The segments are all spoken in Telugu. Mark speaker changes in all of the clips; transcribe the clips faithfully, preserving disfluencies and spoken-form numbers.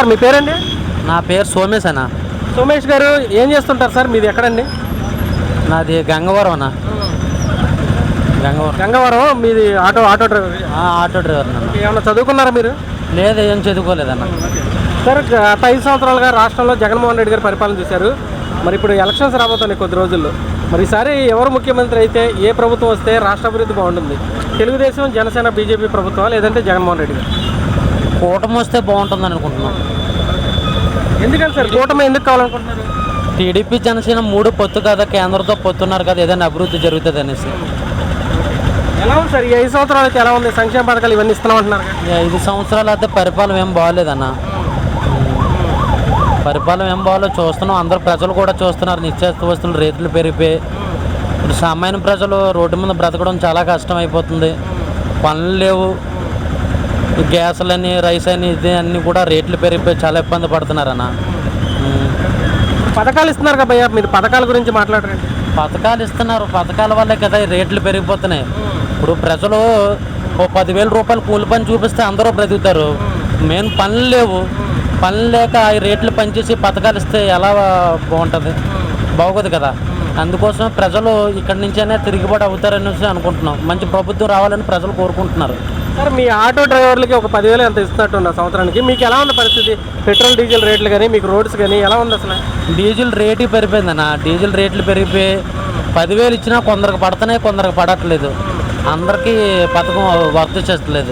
Speaker 1: సార్ మీ పేరండి?
Speaker 2: నా పేరు సోమేష్ అన్న.
Speaker 1: సోమేష్ గారు ఏం చేస్తుంటారు సార్? మీది ఎక్కడండి?
Speaker 2: నాది గంగవరం అన్న. గంగవరం
Speaker 1: గంగవరం. మీది auto auto driver?
Speaker 2: Auto driver అన్న.
Speaker 1: ఏమన్నా చదువుకున్నారా మీరు?
Speaker 2: లేదు, ఏం చదువుకోలేదన్న.
Speaker 1: సార్ గత ఐదు సంవత్సరాలుగా రాష్ట్రంలో జగన్మోహన్ రెడ్డి గారు పరిపాలన చేశారు. మరి ఇప్పుడు ఎలక్షన్స్ రాబోతున్నాయి కొద్ది రోజుల్లో. మరి ఈసారి ఎవరు ముఖ్యమంత్రి అయితే, ఏ ప్రభుత్వం వస్తే రాష్ట్ర అభివృద్ధి బాగుంటుంది? తెలుగుదేశం, జనసేన, బీజేపీ ప్రభుత్వం, లేదంటే జగన్మోహన్ రెడ్డి గారు?
Speaker 2: కూటమి వస్తే బాగుంటుంది అనుకుంటున్నాం.
Speaker 1: ఎందుకని సార్ కూటమి ఎందుకు కావాలనుకుంటున్నారు?
Speaker 2: టీడీపీ జనసేన మూడు పొత్తు కదా, కేంద్రంతో పొత్తున్నారు కదా, ఏదైనా అభివృద్ధి జరుగుతుంది అనేసి.
Speaker 1: ఎలా ఉంది సార్ ఈ ఐదు సంవత్సరాలు అయితే? ఎలా ఉంది? సంక్షేమ పథకాలు ఇవన్నీ ఇస్తున్నాం అంటున్నారు.
Speaker 2: ఐదు సంవత్సరాలు అయితే పరిపాలన ఏం బాగోలేదన్న. పరిపాలన ఏం బాగాలో చూస్తున్నాం. అందరూ ప్రజలు కూడా చూస్తున్నారు. నిత్యావసర వస్తువులు రేట్లు పెరిగిపోయి ఇప్పుడు సామాన్య ప్రజలు రోడ్డు మీద బ్రతకడం చాలా కష్టం అయిపోతుంది. పనులు లేవు. గ్యాసులని, రైస్ అని, ఇది అన్నీ కూడా రేట్లు పెరిగిపోయి చాలా ఇబ్బంది పడుతున్నారన్న.
Speaker 1: పథకాలు ఇస్తున్నారు కదా భయ్యా, మీరు పథకాల గురించి మాట్లాడరండి.
Speaker 2: పథకాలు ఇస్తున్నారు, పథకాల వల్లే కదా ఈ రేట్లు పెరిగిపోతున్నాయి. ఇప్పుడు ప్రజలు ఓ పదివేల రూపాయలు కూలి పని చూపిస్తే అందరూ బ్రతుకుతారు. మెయిన్ పనులు లేవు. పనులు లేక ఈ రేట్లు పనిచేసి పథకాలు ఇస్తే ఎలా బాగుంటుంది? బాగోదు కదా. అందుకోసం ప్రజలు ఇక్కడి నుంచైనా తిరుగుబాటు అవుతారనేసి అనుకుంటున్నాం. మంచి ప్రభుత్వం రావాలని ప్రజలు కోరుకుంటున్నారు.
Speaker 1: సార్ మీ ఆటో డ్రైవర్లకి ఒక పదివేలు ఎంత ఇస్తున్నట్టు సంవత్సరానికి? మీకు ఎలా ఉంది పరిస్థితి? పెట్రోల్ డీజిల్ రేట్లు కానీ, మీకు రోడ్స్ కానీ ఎలా ఉంది అసలు?
Speaker 2: Diesel rate పెరిగిపోయిందన్న. డీజిల్ రేట్లు పెరిగిపోయి పదివేలు ఇచ్చినా కొందరికి పడుతున్నాయి, కొందరికి పడట్లేదు. అందరికీ పథకం వర్క్ చేస్తలేదు.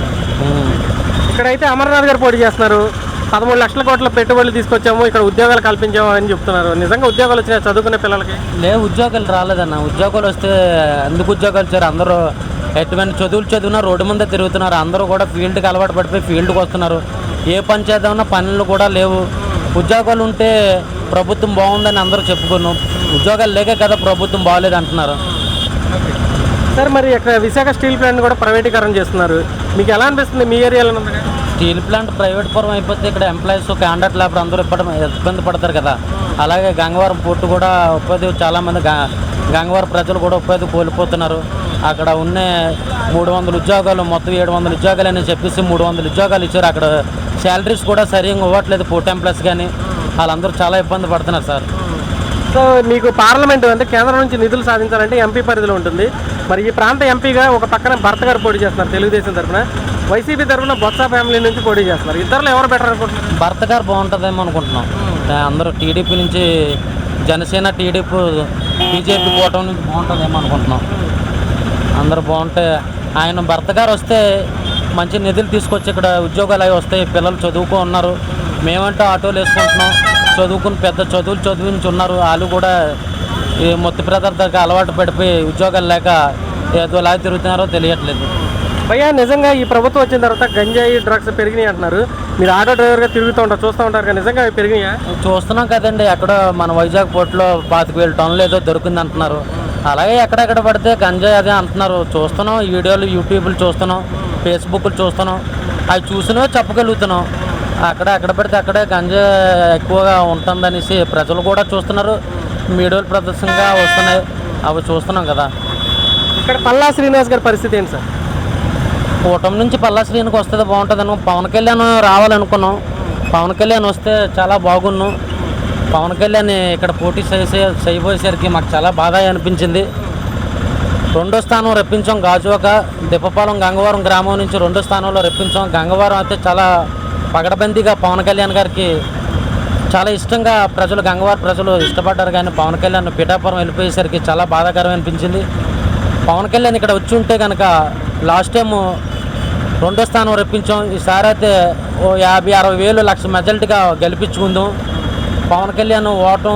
Speaker 1: ఇక్కడైతే అమర్నాథ్ గారు పోటీ చేస్తున్నారు. పదమూడు లక్షల కోట్ల పెట్టుబడులు తీసుకొచ్చాము, ఇక్కడ ఉద్యోగాలు కల్పించాము అని చెప్తున్నారు. నిజంగా ఉద్యోగాలు వచ్చినాయి చదువుకునే పిల్లలకి?
Speaker 2: లేదు, ఉద్యోగాలు రాలేదన్న. ఉద్యోగాలు వస్తే ఎందుకు ఉద్యోగాలు వచ్చారు? అందరూ ఎటువంటి చదువులు చదివినా రోడ్డు ముందే తిరుగుతున్నారు. అందరూ కూడా ఫీల్డ్కి అలవాటు పడిపోయి ఫీల్డ్కి వస్తున్నారు. ఏ పని చేద్దామన్నా పనులు కూడా లేవు. ఉద్యోగాలు ఉంటే ప్రభుత్వం బాగుందని అందరూ చెప్పుకున్నాం. ఉద్యోగాలు లేకే కదా ప్రభుత్వం బాగలేదు అంటున్నారు.
Speaker 1: సార్ మరి ఇక్కడ విశాఖ స్టీల్ ప్లాంట్ కూడా ప్రైవేటీకరణ చేస్తున్నారు. మీకు ఎలా అనిపిస్తుంది? మీ ఏరియాలో ఉంది
Speaker 2: స్టీల్ ప్లాంట్ ప్రైవేట్ పరం అయిపోతే ఇక్కడ ఎంప్లాయీస్, కాంట్రాక్ట్ లేబర్ అందరూ ఇప్పటి ఇబ్బంది పడతారు కదా. అలాగే గంగవరం పోర్టు కూడా ఉపాధి, చాలామంది గంగవరం ప్రజలు కూడా ఉపాధి కోల్పోతున్నారు. అక్కడ ఉన్న మూడు వందల ఉద్యోగాలు మొత్తం ఏడు వందల ఉద్యోగాలు అని చెప్పేసి మూడు వందల ఉద్యోగాలు ఇచ్చారు. అక్కడ శాలరీస్ కూడా సరిగ్గా ఇవ్వట్లేదు పోర్ట్ ఎంప్లాయీస్ కానీ. వాళ్ళందరూ చాలా ఇబ్బంది పడుతున్నారు సార్.
Speaker 1: సో మీకు పార్లమెంటు అంటే కేంద్రం నుంచి నిధులు సాధించాలంటే ఎంపీ పరిధిలో ఉంటుంది. మరి ఈ ప్రాంత ఎంపీగా ఒక పక్కన భర్త గారు పోటీ చేస్తున్నారు తెలుగుదేశం తరఫున, వైసీపీ తరఫున బొత్స ఫ్యామిలీ నుంచి పోటీ చేస్తున్నారు. ఇద్దరులో ఎవరు బెటర్ అనుకుంటున్నారు?
Speaker 2: భర్త గారు బాగుంటుందేమో అనుకుంటున్నాం. అందరూ టీడీపీ నుంచి జనసేన, టీడీపీ, బీజేపీ కూటమి నుంచి బాగుంటుందేమో అనుకుంటున్నాం. అందరూ బాగుంటే ఆయన భర్త గారు వస్తే మంచి నిధులు తీసుకొచ్చి ఇక్కడ ఉద్యోగాలు అవి వస్తాయి. పిల్లలు చదువుకో ఉన్నారు. మేమంటే ఆటోలు వేసుకుంటున్నాం. చదువుకుని పెద్ద చదువులు చదివించి ఉన్నారు. వాళ్ళు కూడా ఈ మొత్తం పదార్థాలకు అలవాటు పడిపోయి ఉద్యోగాలు లేక ఏదో లాగా తిరుగుతున్నారో తెలియట్లేదు.
Speaker 1: భయ్యా నిజంగా ఈ ప్రభుత్వం వచ్చిన తర్వాత గంజాయి, డ్రగ్స్ పెరిగినాయి అంటున్నారు. మీరు ఆటో డ్రైవర్గా తిరుగుతూ ఉంటారు, చూస్తూ ఉంటారు కదా, నిజంగా అవి పెరిగినాయా?
Speaker 2: చూస్తున్నాం కదండి. ఎక్కడ మన వైజాగ్ పోర్టులో పాతిక వేల టన్నులు ఏదో దొరికింది అంటున్నారు. అలాగే ఎక్కడెక్కడ పడితే గంజాయి అదే అంటున్నారు. చూస్తున్నాం, ఈ వీడియోలు యూట్యూబ్లు చూస్తున్నాం, ఫేస్బుక్లు చూస్తున్నాం. అవి చూసినవే చెప్పగలుగుతున్నాం. అక్కడ ఎక్కడ పడితే అక్కడే గంజా ఎక్కువగా ఉంటుందనేసి ప్రజలు కూడా చూస్తున్నారు. మీడియాలు ప్రదర్శనగా వస్తున్నాయి, అవి చూస్తున్నాం కదా.
Speaker 1: ఇక్కడ పల్లా శ్రీనివాస్ గారి పరిస్థితి ఏంటి సార్?
Speaker 2: కూటమి నుంచి పల్లా శ్రీనికి వస్తే బాగుంటుంది అనుకో. పవన్ కళ్యాణ్ రావాలనుకున్నాం. పవన్ కళ్యాణ్ వస్తే చాలా బాగున్నాం. పవన్ కళ్యాణ్ ఇక్కడ పోటీ చేసే చేయబోయేసరికి మాకు చాలా బాధ అనిపించింది. రెండో స్థానం రప్పించాం. గాజువాక, దిప్పపాలెం, గంగవరం గ్రామం నుంచి రెండో స్థానంలో రప్పించాం. గంగవరం అయితే చాలా పగడబందీగా పవన్ కళ్యాణ్ గారికి చాలా ఇష్టంగా ప్రజలు, గంగవరం ప్రజలు ఇష్టపడ్డారు. కానీ పవన్ కళ్యాణ్ పిఠాపురం వెళ్ళిపోయేసరికి చాలా బాధాకరం అనిపించింది. పవన్ కళ్యాణ్ ఇక్కడ వచ్చి ఉంటే కనుక లాస్ట్ టైము రెండో స్థానం రప్పించాం. ఈసారి అయితే ఓ యాభై అరవై వేలు లక్ష మెజారిటీగా గెలిపించుకుందాం. పవన్ కళ్యాణ్ ఓటం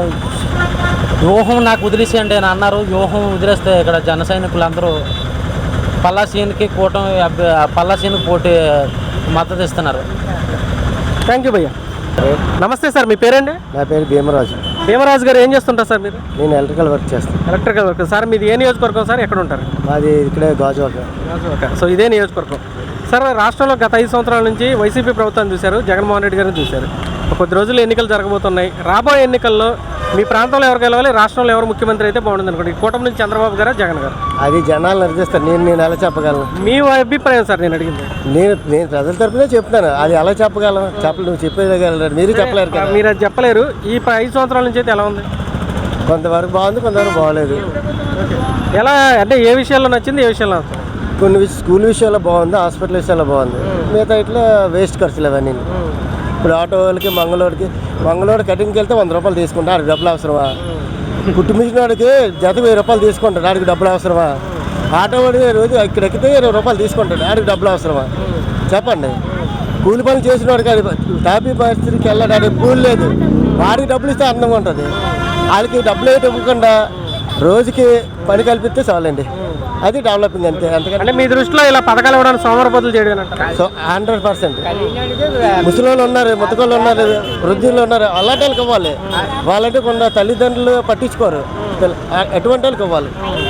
Speaker 2: వ్యూహం నాకు వదిలేసేయండి అని అన్నారు. వ్యూహం వదిలేస్తే ఇక్కడ జన సైనికులు అందరూ పల్లా సీన్కి కూటమి పల్లా సీన్కి పోటీ మద్దతు ఇస్తున్నారు.
Speaker 1: థ్యాంక్ యూ భయ్యా. నమస్తే సార్, మీ పేరండి?
Speaker 3: నా పేరు భీమరాజు.
Speaker 1: భీమరాజు గారు ఏం చేస్తుంటారు సార్ మీరు?
Speaker 3: నేను ఎలక్ట్రికల్ వర్క్ చేస్తాను.
Speaker 1: Electrical work. సార్ మీది ఏ నియోజకవర్గం సార్? ఎక్కడ ఉంటారు?
Speaker 3: మాది ఇక్కడే గాజువాక.
Speaker 1: గాజువాక. సో ఇదే నియోజకవర్గం. సార్ రాష్ట్రంలో గత ఐదు సంవత్సరాల నుంచి వైసీపీ ప్రభుత్వాన్ని చూశారు, జగన్మోహన్ రెడ్డి గారిని చూశారు. కొద్ది రోజులు ఎన్నికలు జరగబోతున్నాయి. రాబోయే ఎన్నికల్లో మీ ప్రాంతంలో ఎవరు గెలవాలి, రాష్ట్రంలో ఎవరు ముఖ్యమంత్రి అయితే బాగుంటుంది అనుకోండి? కూటమి నుంచి చంద్రబాబు గారా, జగన్ గారు?
Speaker 3: అది జనాలు నిర్దేస్తారు. నేను నేను ఎలా చెప్పగలను?
Speaker 1: మీ అభిప్రాయం సార్ నేను అడిగింది.
Speaker 3: నేను నేను ప్రజల తరపునే చెప్తాను. అది ఎలా చెప్పగలను? చెప్పలేదు, నువ్వు చెప్పేయగలరు, మీరు చెప్పలేరు కదా.
Speaker 1: మీరు అది చెప్పలేరు. ఈ ప- ఐదు సంవత్సరాల నుంచి అయితే ఎలా ఉంది?
Speaker 3: కొంతవరకు బాగుంది, కొంతవరకు బాగోలేదు.
Speaker 1: ఎలా అంటే ఏ విషయాల్లో నచ్చింది, ఏ విషయాల్లో నచ్చలేదు?
Speaker 3: కొన్ని విష- స్కూల్ విషయాల్లో బాగుంది, హాస్పిటల్ విషయాల్లో బాగుంది. మిగతా ఇట్లా వేస్ట్ ఖర్చులు అవన్నీ. ఇప్పుడు ఆటో వాళ్ళకి మంగళవాడికి మంగళవాడు కటింగ్కి వెళ్తే వంద రూపాయలు తీసుకుంటా, ఆడికి డబ్బులు అవసరమా? కుట్టు మిషన్ వాడికి జత వెయ్యి రూపాయలు తీసుకుంటాడు, ఆడికి డబ్బులు అవసరమా? ఆటో వాడి రోజు ఇక్కడ ఎక్కితే ఇరవై రూపాయలు తీసుకుంటాడు, ఆడికి డబ్బులు అవసరమా? చెప్పండి. కూలి పని చేసిన వాడికి అది టాపీ పరిస్థితికి వెళ్ళడానికి కూలి లేదు, వాడికి డబ్బులు ఇస్తే అందంగా ఉంటుంది. వాళ్ళకి డబ్బులు ఏమి ఇవ్వకుండా రోజుకి పని కల్పిస్తే చాలండి, అది డెవలపింగ్ అంతే. అంతకంటే
Speaker 1: అంటే మీ దృష్టిలో ఇలా పథకాలు ఇవ్వడానికి సోమరపోతులు చేయడం అంటారా?
Speaker 3: సో హండ్రెడ్ పర్సెంట్ ముసలి వాళ్ళు ఉన్నారు, ముతకోళ్ళు ఉన్నారు, వృద్ధులు ఉన్నారు, అలాంటి వాళ్ళకి ఇవ్వాలి. వాళ్ళంటే కొంత తల్లిదండ్రులు పట్టించుకోరు, ఎటువంటి వాళ్ళకి ఇవ్వాలి.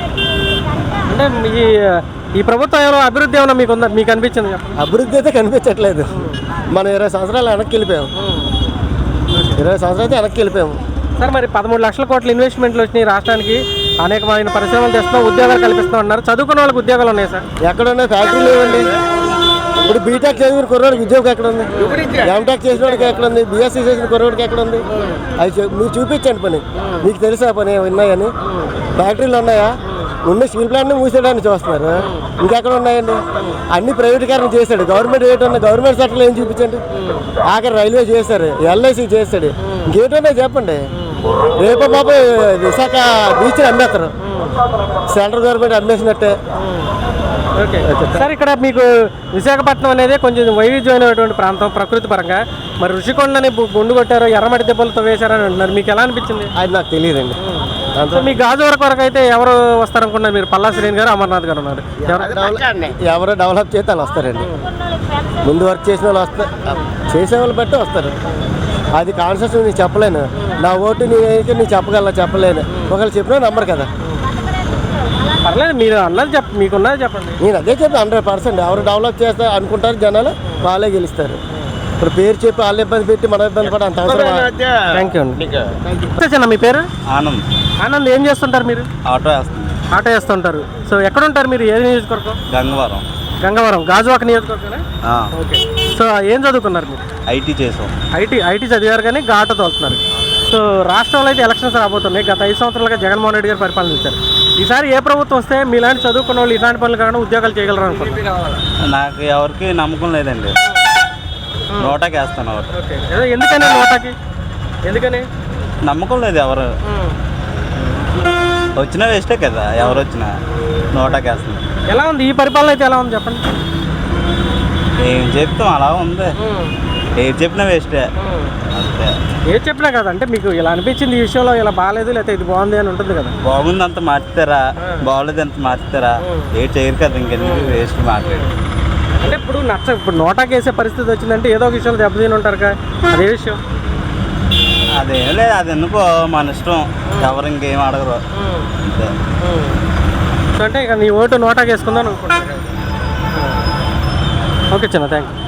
Speaker 1: అంటే ఈ ఈ ప్రభుత్వం ఏమైనా అభివృద్ధి ఏమైనా మీకు ఉందా, మీకు అనిపించింది చెప్పండి.
Speaker 3: అభివృద్ధి అయితే కనిపించట్లేదు. మనం ఇరవై సంవత్సరాలు వెనక్కి వెళ్ళిపోయాము, ఇరవై సంవత్సరాలు అయితే వెనక్కి వెళ్ళిపోయాము.
Speaker 1: సార్ మరి పదమూడు లక్షల కోట్ల ఇన్వెస్ట్మెంట్లు వచ్చినాయి రాష్ట్రానికి, అనేకమైన పరిశ్రమలు తెస్తున్నాం, ఉద్యోగాలు కల్పిస్తాం అన్నారు. చదువుకున్న వాళ్ళకి ఉద్యోగాలు ఉన్నాయి సార్.
Speaker 3: ఎక్కడున్నాయి? ఫ్యాక్టరీలు లేవండి. ఇప్పుడు బీటెక్ చదివిన కుర్రోడికి ఉద్యోగం ఎక్కడ ఉంది? ఎంటెక్ చేసిన వాడికి ఎక్కడ ఉంది? బీఎస్సీ చేసిన కుర్రోడికి ఎక్కడ ఉంది? అది చూ- మీరు చూపించండి పని, మీకు తెలుసా పని ఉన్నాయని? ఫ్యాక్టరీలు ఉన్నాయా? ఉన్న స్టీల్ ప్లాంట్ని మూసేయడానికి చూస్తున్నారు, ఇంకెక్కడ ఉన్నాయండి? అన్ని ప్రైవేటీకరణ చేశాడు. గవర్నమెంట్ ఏటున్నా గవర్నమెంట్ సెక్టర్లో ఏం చూపించండి? ఆఖరి రైల్వే చేశారు, ఎల్ఐసి చేస్తాడు, ఇంకేటున్నాయి చెప్పండి? రేపు పాప విశాఖ బీచ్ అమ్మేస్తారు, సెంట్రల్ గవర్నమెంట్ అమ్మేసినట్టే.
Speaker 1: ఓకే సార్, ఇక్కడ మీకు విశాఖపట్నం అనేది కొంచెం వైవిధ్యమైనటువంటి ప్రాంతం ప్రకృతి పరంగా. మరి ఋషికొండని బు- గుండు కొట్టారు, ఎర్రమట్టి దెబ్బలతో వేశారని అంటున్నారు, మీకు ఎలా అనిపించింది?
Speaker 3: అది నాకు తెలియదండి.
Speaker 1: సో మీ గాజువాక వరకు అయితే ఎవరు వస్తారనుకున్నారు మీరు? పల్లా శ్రీని గారు, అమర్నాథ్ గారు ఉన్నారు. ఎవరు
Speaker 3: ఎవరో డెవలప్ చేస్తే వాళ్ళు వస్తారండి. ముందు వర్క్ చేసిన వాళ్ళు వస్తారు, చేసే వాళ్ళు బట్టి వస్తారు. అది కాన్సెప్ట్ నేను చెప్పలేను. నా ఓటు నేనైతే నేను చెప్పగలను, చెప్పలేను. ఒకళ్ళు చెప్పినా నమ్మరు కదా.
Speaker 1: పర్లేదు, మీరు అన్నది చెప్ మీకున్నది చెప్పండి.
Speaker 3: నేను అదే చెప్పి హండ్రెడ్ పర్సెంట్ ఎవరు డెవలప్ చేస్తారు అనుకుంటారు జనాలు, వాళ్ళే గెలుస్తారు. ఇప్పుడు పేరు చెప్పి వాళ్ళు ఇబ్బంది పెట్టి మనం ఇబ్బంది పడి అంత అవసరం.
Speaker 1: థ్యాంక్ యూ అండి. చిన్న మీ పేరు?
Speaker 4: ఆనంద్.
Speaker 1: ఆనంద్, ఏం చేస్తుంటారు మీరు?
Speaker 4: ఆటో వేస్తుంది.
Speaker 1: ఆటో వేస్తుంటారు. సో ఎక్కడ ఉంటారు మీరు? ఏ నియోజకవర్గం?
Speaker 4: గంగవరం.
Speaker 1: గంగవరం, గాజువాక నియోజకవర్గం.
Speaker 4: ఆ,
Speaker 1: ఓకే. సో ఏం చదువుకున్నారు మీరు?
Speaker 4: ఐటీ చేసాం.
Speaker 1: ఐటీ ఐటీ చదివారు కానీ ఆటో తోలుతున్నారు. సో రాష్ట్రంలో అయితే ఎలక్షన్స్ రాబోతున్నాయి. గత ఐదు సంవత్సరాలుగా జగన్మోహన్ రెడ్డి గారు పరిపాలించారు. ఈసారి ఏ ప్రభుత్వం వస్తే మీలాంటి చదువుకున్న వాళ్ళు ఇలాంటి పనులు కాకుండా ఉద్యోగాలు చేయగలరు అనుకుంటున్నారు?
Speaker 4: నాకు ఎవరికి నమ్మకం లేదండి, నోటాకి వేస్తాను ఒకటి.
Speaker 1: ఓకే. ఏదో ఎందుకని నోటాకి? ఎందుకని
Speaker 4: నమ్మకం లేదు. ఎవరు వచ్చినా వేస్టే కదా, ఎవరు వచ్చినా నోటాకి వేస్తాను.
Speaker 1: ఎలా ఉంది ఈ పరిపాలన అయితే? ఎలా ఉంది చెప్పండి.
Speaker 4: ఏం చెప్తాం, అలా ఉంది. ఏది చెప్పినా వేస్టే అంతే.
Speaker 1: ఏం చెప్పినా కదా, అంటే మీకు ఇలా అనిపించింది ఈ విషయంలో, ఇలా బాగాలేదు లేకపోతే ఇది బాగుంది అని ఉంటుంది కదా.
Speaker 4: బాగుంది అంత మార్చుతారా, బాగోలేదు అంత మార్చుతారా? ఏ చేయరు కదా, ఇంకెందుకు వేస్ట్ మాట్లాడి.
Speaker 1: అంటే ఇప్పుడు నచ్చ ఇప్పుడు నోటాకి వేసే పరిస్థితి వచ్చిందంటే ఏదో ఒక విషయంలో దెబ్బతిని ఉంటారు కదా, అదే విషయం.
Speaker 4: అదేం లేదు, అది ఎందుకో మన ఇష్టం, ఎవరు ఇంకేం అడగరు అంతే.
Speaker 1: సో అంటే ఇక నీ ఓటు నోటాకి వేసుకుందాం అనుకుంటున్నాను. ఓకే చిన్న, థ్యాంక్ యూ.